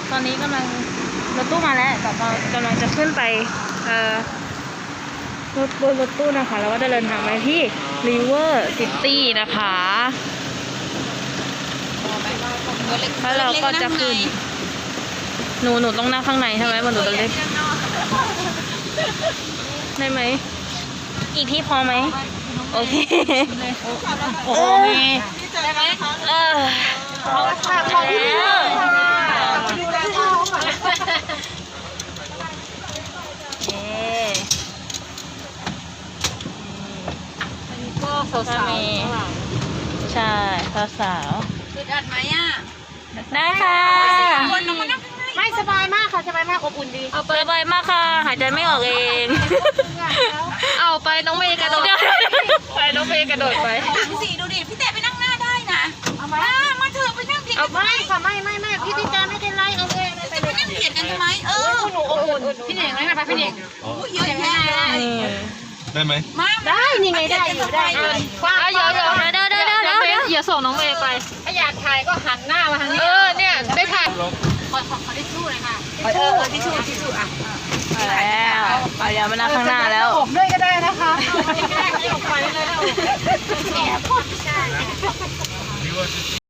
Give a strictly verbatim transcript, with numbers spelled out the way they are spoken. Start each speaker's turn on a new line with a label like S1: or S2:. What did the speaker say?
S1: ตอนนี้กำลังรถตู้มาแล้วแต่เรากำลังจะขึ้นไปเอ่อรถบนรถตู้นะคะแล้วก็จะเดินทางไปที่ River City นะคะแล้วเราก็จะขึ้นหนูหนูต้องนั่งข้างในใช่ไหมมันหนูตัวเล็กได้ไหมอีกที่พอไหมโอเคโอ้ยได้ไหมเออเขาค่ะเขาที่นี่ดูแลเขาก็สาวๆใช่สาวๆอึดอัดไหมอ่ะได้ค่ะไม่สบายมากค่ะสบายมากอบอุ่นดีเอาไปสบายมากค่ะหายใจไม่ออกเองเอาไปน้องเมย์กระโดดไปน้องเมย์กระโดดไปถังสีดูดิพี่เต๋ไปนั่งหน้าได้นะเอามามาเถอะไปนั่งเบียดกันไม่ค่ะไม่ไม่ไม่พี่พี่จาไม่เป็นไรเอาเองจะไปนั่งเบียดกันทำไมเออหนูอบอุ่นพี่เน่งเลยนะคะพี่เน่งเยอะแยะ
S2: ได้ไหม
S1: ได้นี่ไงได้อยู่ได้กว้างเยอะๆได้ได้ได้ได้อย่าส่งน้องเมย์ไปถ้าอยากถ่ายก็หันหน้ามาทางนี้เออเนี่ยได้ถ่ายขอขอขอทิชชู่เลยค่ะทิชชู่ทิชชู่ทิชชู่อ่ะแล้วเอาอย่ามานั่งข้างหน้าแล้วอบด้วยก็ได้นะคะไม่ได้ไม่ออกไปเลยแอบ